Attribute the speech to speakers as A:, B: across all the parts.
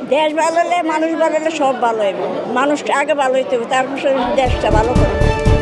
A: দেশ ভালো হলে মানুষ ভালো হলে সব ভালো হবে। মানুষটা আগে ভালো হইতে হবে, তারপর দেশটা ভালো করবে।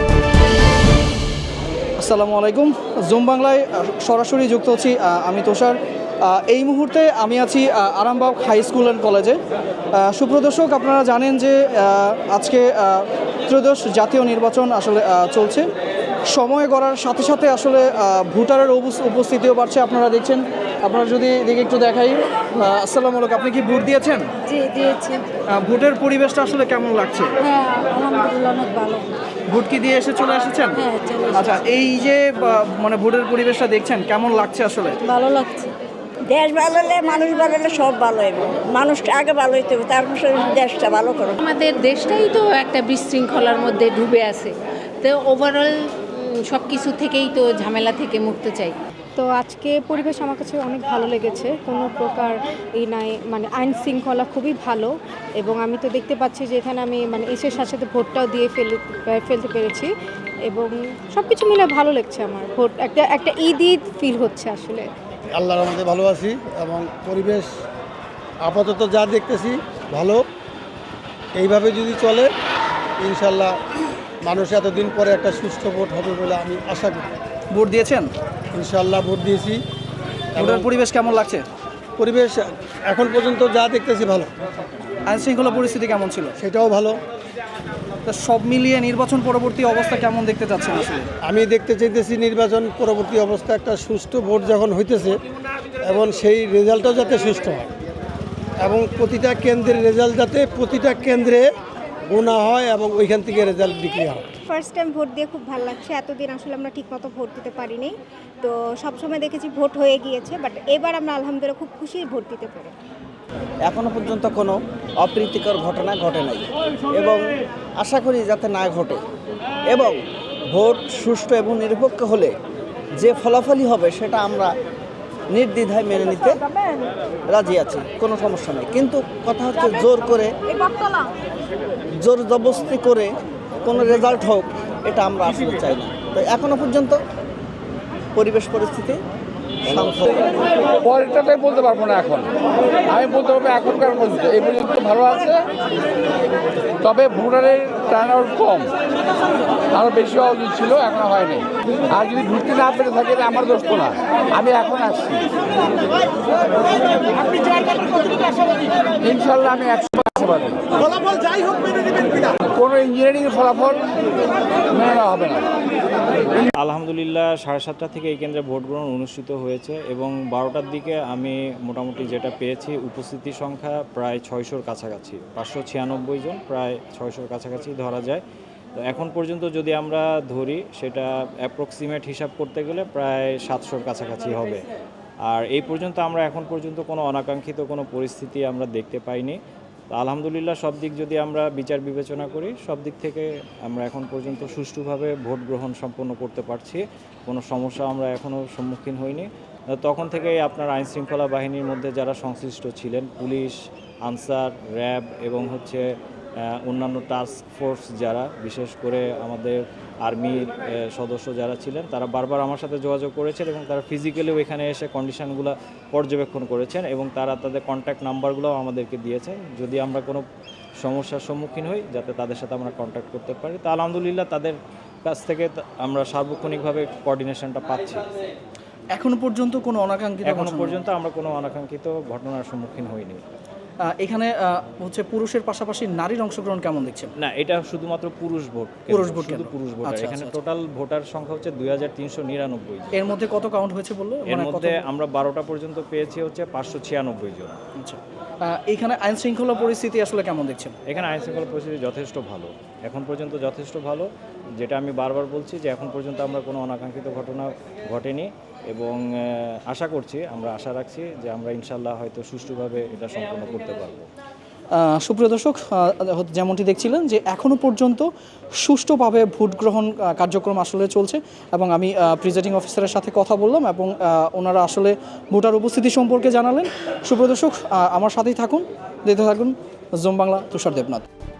B: আসসালামু আলাইকুম। জুম বাংলায় সরাসরি যুক্ত হচ্ছি আমি তুষার। এই মুহূর্তে আমি আছি আরামবাগ হাই স্কুল অ্যান্ড কলেজে। সুপ্রদর্শক, আপনারা জানেন যে আজকে ত্রয়োদশ জাতীয় নির্বাচন আসলে চলছে। সময় গড়ার সাথে সাথে আসলে ভোটারের উপস্থিতিও বাড়ছে। আপনারা দেখছেন, আপনারা যদি দিকে একটু দেখাই। আসসালামু আলাইকুম, আপনি কি ভোট দিয়েছেন?
A: জি দিয়েছি।
B: ভোটের পরিবেশটা আসলে কেমন লাগছে?
A: হ্যাঁ আলহামদুলিল্লাহ অনেক ভালো।
B: ভোট কি দিয়ে চলে এসেছেন?
A: হ্যাঁ চলে এসেছি।
B: আচ্ছা, এই যে মানে ভোটের পরিবেশটা দেখছেন, কেমন লাগছে আসলে?
A: ভালো লাগছে। দেশ ভালো হলে মানুষ ভালো হলে সব ভালো হবে। মানুষটা আগে ভালো হইতে হবে, তারপর দেশটা ভালো করবে।
C: আমাদের দেশটাই তো একটা বিশৃঙ্খলার মধ্যে ডুবে আছে, তো ওভারঅল সব কিছু থেকেই তো ঝামেলা থেকে মুক্ত চাই।
D: তো আজকে পরিবেশ আমার কাছে অনেক ভালো লেগেছে, কোনো প্রকার এই নাই, মানে আইন শৃঙ্খলা খুবই ভালো। এবং আমি তো দেখতে পাচ্ছি যে এখানে আমি মানে এসের সাথে সাথে ভোটটাও দিয়ে ফেলতে পেরেছি, এবং সব কিছু মিলে ভালো লাগছে আমার। ভোট একটা ঈদ ফিল হচ্ছে আসলে।
E: আল্লাহর রহমতে ভালো আছি এবং পরিবেশ আপাতত যা দেখতেছি ভালো। এইভাবে যদি চলে ইনশাল্লাহ মানুষ এতদিন পরে একটা সুষ্ঠু ভোট হবে বলে আমি আশা করি।
B: ভোট দিয়েছেন?
E: ইনশাল্লাহ ভোট দিয়েছি।
B: ভোটের পরিবেশ কেমন লাগছে?
E: পরিবেশ এখন পর্যন্ত যা দেখতেছি ভালো।
B: আইন শৃঙ্খলা পরিস্থিতি কেমন ছিল?
E: সেটাও ভালো।
B: তা সব মিলিয়ে নির্বাচন পরবর্তী অবস্থা কেমন দেখতে চাচ্ছেন আসলে?
E: আমি দেখতে চাইতেছি নির্বাচন পরবর্তী অবস্থা একটা সুষ্ঠু ভোট যখন হইতেছে এবং সেই রেজাল্টও যাতে সুষ্ঠু হয় এবং প্রতিটা কেন্দ্রের রেজাল্ট যাতে প্রতিটা কেন্দ্রে গোনা হয় এবং ওইখান থেকে রেজাল্ট বিক্রি হয়।
D: ফার্স্ট টাইম ভোট দিয়ে খুব ভালো লাগছে। এতদিন আসলে আমরা ঠিকমতো ভোট দিতে পারিনি, তো সবসময় দেখেছি ভোট হয়ে গিয়েছে, বাট এবার আমরা আলহামদুলিল্লাহ খুব খুশি ভোট দিতে পেরে।
F: এখনও পর্যন্ত কোনো অপ্রীতিকর ঘটনা ঘটে নাই এবং আশা করি যাতে না ঘটে, এবং ভোট সুষ্ঠু এবং নিরপেক্ষ হলে যে ফলাফলই হবে সেটা আমরা নির্দ্বিধায় মেনে নিতে রাজি আছি, কোনো সমস্যা নেই। কিন্তু কথা হচ্ছে জোর জবরদস্তি করে কোনো রেজাল্ট হোক, এটা আমরা আসলে চাই না। তো এখনও পর্যন্ত পরিবেশ পরিস্থিতি শান্ত।
G: পরেরটাই বলতে পারবো না এখন, আমি বলতে পারবো এখনকার পর্যন্ত এই পর্যন্ত ভালো আছে, তবে ভোটারের টার্ন আউট কম, আরও বেশি হওয়া উচিত ছিল, এখন হয়নি। আর যদি ঘুরতে না পেরে থাকে আমার দোষ তো না, আমি এখন আসছি। ইনশাল্লাহ আমি 100% আশাবাদী। কোনো ইঞ্জিনিয়ারিংয়ের ফলাফল মেনে নেওয়া হবে না।
H: আলহামদুলিল্লাহ 7:30 থেকে এই কেন্দ্রে ভোট গ্রহণ অনুষ্ঠিত হয়েছে এবং 12টার দিকে আমি মোটামুটি যেটা পেয়েছি উপস্থিতি সংখ্যা প্রায় 600-র কাছাকাছি, 596 জন, প্রায় 600-র কাছাকাছি ধরা যায়। তো এখন পর্যন্ত যদি আমরা ধরি সেটা অ্যাপ্রক্সিমেট হিসাব করতে গেলে প্রায় 700-র কাছাকাছি হবে। আর এই পর্যন্ত আমরা এখন পর্যন্ত কোনো অনাকাঙ্ক্ষিত কোনো পরিস্থিতি আমরা দেখতে পাইনি। তো আলহামদুলিল্লাহ সব দিক যদি আমরা বিচার বিবেচনা করি, সব দিক থেকে আমরা এখন পর্যন্ত সুষ্ঠুভাবে ভোট গ্রহণ সম্পন্ন করতে পারছি, কোনো সমস্যা আমরা এখনও সম্মুখীন হইনি। তখন থেকেই আপনার আইনশৃঙ্খলা বাহিনীর মধ্যে যারা সংশ্লিষ্ট ছিলেন, পুলিশ, আনসার, র্যাব এবং অন্যান্য টাস্ক ফোর্স যারা, বিশেষ করে আমাদের আর্মির সদস্য যারা ছিলেন, তারা বারবার আমার সাথে যোগাযোগ করেছেন এবং তারা ফিজিক্যালিও এখানে এসে কন্ডিশনগুলো পর্যবেক্ষণ করেছেন এবং তারা তাদের কন্ট্যাক্ট নাম্বারগুলোও আমাদেরকে দিয়েছেন, যদি আমরা কোনো সমস্যার সম্মুখীন হই যাতে তাদের সাথে আমরা কন্ট্যাক্ট করতে পারি। তো আলহামদুলিল্লাহ তাদের কাছ থেকে আমরা সার্বক্ষণিকভাবে কোঅর্ডিনেশনটা পাচ্ছি।
B: এখনো পর্যন্ত কোনো অনাকাঙ্ক্ষিত
H: আমরা কোনো অনাকাঙ্ক্ষিত ঘটনার সম্মুখীন হইনি।
B: এখানে পুরুষের পাশাপাশি নারীর অংশগ্রহণ কেমন দেখছেন?
H: না, এটা শুধুমাত্র পুরুষ ভোট, শুধু পুরুষ ভোট। এখানে টোটাল ভোটার সংখ্যা হচ্ছে 2399।
B: এর মধ্যে কত কাউন্ট হয়েছে বললো?
H: এর মধ্যে আমরা 12টা পর্যন্ত পেয়েছি 596 জন।
B: আচ্ছা, এখানে আইন শৃঙ্খলা পরিস্থিতি আসলে কেমন দেখছেন?
H: এখানে আইন শৃঙ্খলা পরিস্থিতি যথেষ্ট ভালো, এখন পর্যন্ত যথেষ্ট ভালো। যেটা আমি বারবার বলছি যে এখন পর্যন্ত আমরা কোনো অনাকাঙ্ক্ষিত ঘটনা ঘটেনি এবং আশা রাখছি যে আমরা ইনশাল্লাহ হয়তো সুষ্ঠুভাবে এটা সম্পন্ন করতে পারবো।
B: সুপ্রিয় দর্শক, যেমনটি দেখছিলেন যে এখনও পর্যন্ত সুষ্ঠুভাবে ভোট গ্রহণ কার্যক্রম আসলে চলছে এবং আমি প্রিজাইডিং অফিসারের সাথে কথা বললাম এবং ওনারা আসলে ভোটার উপস্থিতি সম্পর্কে জানালেন। সুপ্রিয় দর্শক, আমার সাথেই থাকুন, দেখতে থাকুন জুম বাংলা। তুষার দেবনাথ।